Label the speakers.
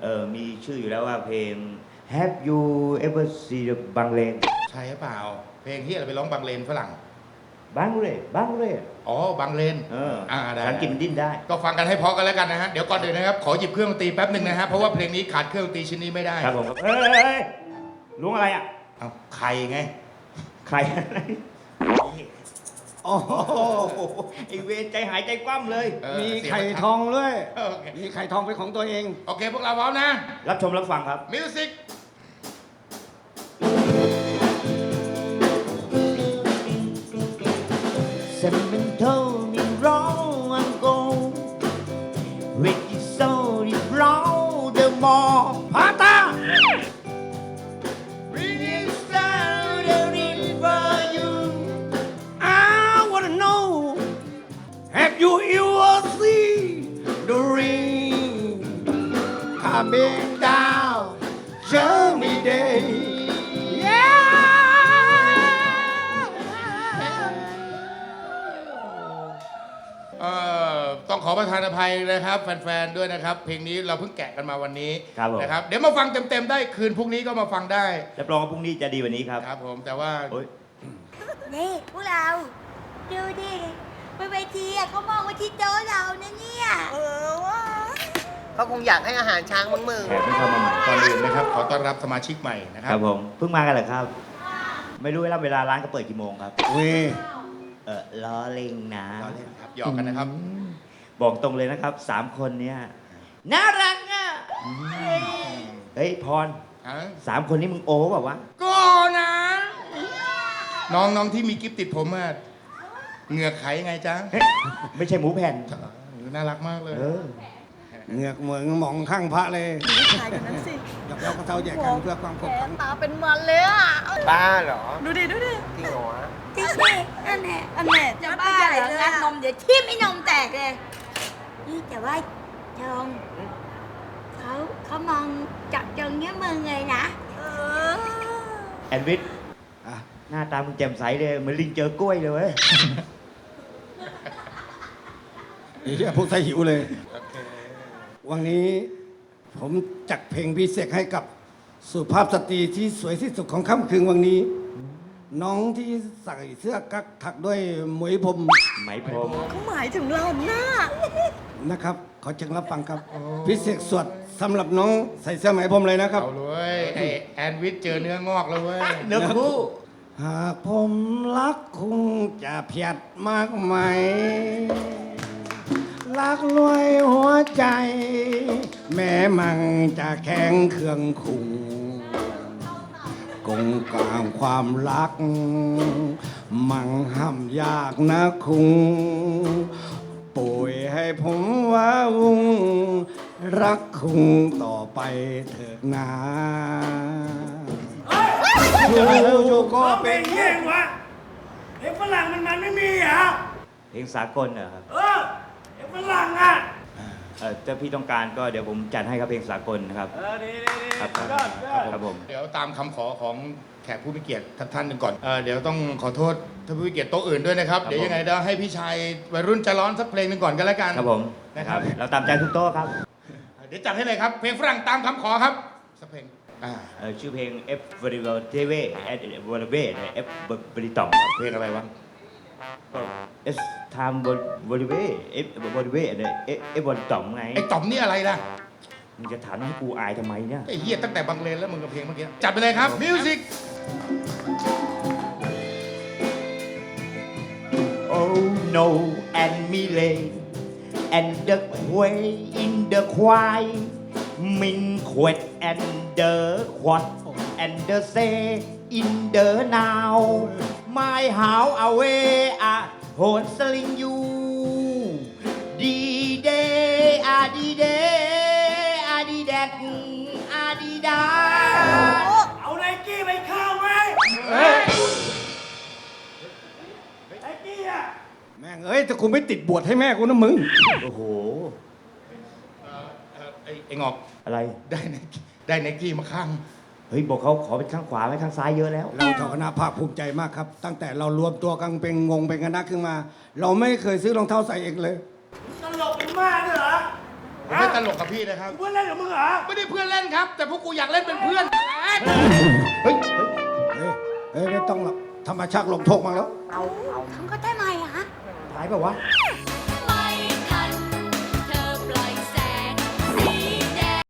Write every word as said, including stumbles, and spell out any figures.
Speaker 1: เออมีชื่ออยู่แล้วว่าเพลง Have you ever seen the Bangladesh
Speaker 2: ใช่หรือเปล่าเพลงที่อะไรไปร้องบางเลนฝรั่ง
Speaker 1: Bangladesh Bangladesh
Speaker 2: อ๋อบางเลน
Speaker 1: เออ
Speaker 2: อ่าได้
Speaker 1: ภาษาอังกฤษมันดิ้นได้
Speaker 2: ก็ฟังกันให้เพอกันแล้วกันนะฮะเดี๋ยวก่อนอื่นนะครับขอหยิบเครื่องดนตรีแป๊บหนึ่งนะฮะเพราะว่าเพลงนี้ขาดเครื่องดนตรีชิ้นนี้ไม่ได้
Speaker 1: ครับผมครับเอ้ยเอ้ยเอ้ยล้วงอะไรอ่ะ
Speaker 2: เอาใครไง
Speaker 1: ใครอะไรโอ้โหไอเวรใจหายใจคว่ำเลย
Speaker 2: เออ
Speaker 3: มี
Speaker 2: เสียง
Speaker 3: ไข่
Speaker 2: มัน
Speaker 3: ทองด้วย
Speaker 2: โอเค
Speaker 3: มีไข่ทองเป็นของตัวเอง
Speaker 2: โอเคพวกเราพร้อมนะ
Speaker 1: รับชมรับฟังครับ
Speaker 2: มิวสิก
Speaker 1: Someone told me wrong ago when you saw it wrong the more
Speaker 3: พาตา
Speaker 1: When you saw the river you
Speaker 3: I wanna know Have you ever seen the rain coming down Journey Day Yeah
Speaker 2: เอ่อต้องขอประทานอภัยนะครับแฟนๆด้วยนะครับ เพลงนี้เราเพิ่งแกะกันมาวันนี้
Speaker 1: ครับผม
Speaker 2: นะครับเดี๋ยวมาฟังเต็มๆได้คืนพรุ่งนี้ก็มาฟังได้
Speaker 1: รับรองว่าพรุ่งนี้จะดีกว่านี้ครับ
Speaker 2: ครับผมแต่ว่า
Speaker 1: โอ๊ย
Speaker 4: นี่พวกเราดูดิบนเวทีอะเขามองมาที่โต๊ะเรานะเนี่ยเออว่า
Speaker 5: เขาคงอยากให้อาหารช้างมึงมึง
Speaker 1: แขกเพิ่งเข้ามาใหม่
Speaker 2: ก่อนอื่นนะครับขอต้อนรับสมาชิกใหม่นะค
Speaker 1: ค
Speaker 2: รั
Speaker 1: รับ บผมเพิ่งมากันเหรอครับ ไม่รู้เวลาเวลาร้านก็เปิดกี่โมงครับ
Speaker 3: เว้ย
Speaker 1: เออล้อเล่งนะ
Speaker 2: ล้อเล่นครับหยอกกันนะครับ
Speaker 1: บอกตรงเลยนะครับสามคนเนี้ยน่ารักอ่ะเฮ้ยพร
Speaker 2: อ่ะ
Speaker 1: สามคนนี้มึงโอ้แบบวะ
Speaker 2: ก็นะ น้องน้องที่มีกิฟติดผมอะเหงือกไขไงจ๊ะ
Speaker 1: ไม่ใช่หมูแผ่น
Speaker 2: น่ารักมากเลย
Speaker 1: เออ
Speaker 3: เหงือกเหมือนหมองข้างพระเลย
Speaker 4: ถ่ายกันนั้นสิ
Speaker 3: หยอกเย้ากระเท้าแยกกันเพื่อความขบขัน
Speaker 4: ตาเป็นมันเลยอ่ะ
Speaker 5: บ้าเหรอ
Speaker 4: ดูดิดูดิ
Speaker 5: จริงเหรอวะ
Speaker 4: จริงดิอันเนี้ยอันเนี้ยจะบ้าเหรองัดนมเดี๋ยวทิ่มไอ้นมแตกเลยนี่แต่ว่าจงเขาเขามองจับจงเนี้ยมึงเลยนะเออ
Speaker 1: แอนวิท
Speaker 3: อ่ะ
Speaker 1: หน้าตามึงแจ่มใสเลยเหมือนลิงเจอกล้วยเลยเว้ย
Speaker 3: ไอ้เหี้ยพูดใส่หิวเลย วันนี้ผมจัดเพลงพิเศษให้กับสุภาพสตรีที่สวยที่สุดของค่ำคืนวันนี้ น้องที่ใส่เสื้อกั๊กถักด้วยหมวยผม
Speaker 1: ไหมพรม
Speaker 4: เขาหมายถึงเราหน้า
Speaker 3: นะครับ ขอเชิญรับฟังครับ พิเศษสวดสำหรับน้องใส่เสื้อไหมผมเลยนะครับ
Speaker 2: เอาเลยไอแอนวิทเจอเนื้องอกแล้วเว้ย
Speaker 1: เนื้อคู่
Speaker 3: หากผมรักคงจะเพียดมากไหม รักรวยหัวใจ แม้มันจะแข็งเคืองคุงกงกลางความรัก มันห้ามยากนะคุงป่วยให้ผมว่าวุงรักคุงต่อไปเถิดนาอยู่ๆก็เป็น
Speaker 6: เย่งวะเด็กฝรั่งมันมันไม่มีเหรอ
Speaker 1: เพลงสากลเหรอครับ
Speaker 6: เออเด็กฝรั่งอ่ะ
Speaker 1: เออถ้าพี่ต้องการก็เดี๋ยวผมจัดให้ครับเพลงสากลนะครับ
Speaker 6: เออดีดีดี
Speaker 1: ครับ
Speaker 6: ยอดยอด
Speaker 1: ครับผม
Speaker 2: เดี๋ยวตามคำขอของแขกผู้มีเกียรติท่านท่านหนึ่งก่อนเออเดี๋ยวต้องขอโทษท่านผู้มีเกียรติโต๊ะอื่นด้วยนะครับ
Speaker 1: ครับ
Speaker 2: เดี๋ยวยังไงเดี๋ยวให้พี่ชายวัยรุ่นใจร้อนสักเพลงหนึ่งก่อนก็แล้วกัน
Speaker 1: ครับผม
Speaker 2: นะครับ
Speaker 1: เราตามใจทุกโต๊ะครับ
Speaker 2: เดี๋ยวจัดให้เลยครับ เพลงฝรั่งตามคำขอครับสักเพลงอ่า
Speaker 1: เอ่อชื่อเพลง F v e r y w e l t v F v e r y w e l F v e r y t o m
Speaker 2: เพลงอะไรวะ
Speaker 1: S time v e r y w e F v e r y w e F F v e r y t o m ไง
Speaker 2: ไอ้ต่อมนี่อะไรล่ะ
Speaker 1: มึงจะถามให้กูอายทำไมเนี่ย
Speaker 2: ไอ้เหี้ยตั้งแต่บังเลนแล้วมึงกับเพลงเมื่อกี้จัดไปเลยครับมิวสิก
Speaker 1: Oh no and me lay and the quay in the quay Minh quẹt and the quạt and the say in the now My house away at hồn sling you Đi đê a đi đê a đi đẹp a đi đá
Speaker 6: เอาไนกี้ไปเข้าไหมไนกี้อ่ะ
Speaker 3: แม่งเอ้ยถ้ากูไม่ติดบวชให้แม่กูนะมึง
Speaker 1: โอ้โห
Speaker 2: เอ่อเอ่อไอ้ไอ้งอก
Speaker 1: อะไร
Speaker 2: ได้ไนกี้ได้ไนกี้มาข้าง
Speaker 1: เฮ้ยบอกเขาขอเป็นข้างขวาไม่ข้างซ้ายเยอะแล้ว
Speaker 3: เราชาวคณะภาคภูมิใจมากครับ ตั้งแต่เรารวมตัวกันเป็นงงเป็นคณะขึ้นมา เราไม่เคยซื้อรองเท้าใส่เองเลย
Speaker 6: ตลกเป็นมากด้วยเหรอ
Speaker 3: ฮ
Speaker 2: ผมไม่ตลกกับพี่นะครับ
Speaker 6: เพื่อนเล่นกับมึงเหรอ
Speaker 2: ไม่ได้เพื่อนเล่นครับ แต่พวกกูอยากเล่นเป็นเพื่อน
Speaker 3: เฮ้ย เฮ้ย เฮ้ย ไม่ต้องหรอกธรรมชาติลงโทษมาแล้ว
Speaker 4: ทำก็ได้ไหมอะฮะ
Speaker 1: หายแบบวะ
Speaker 4: ท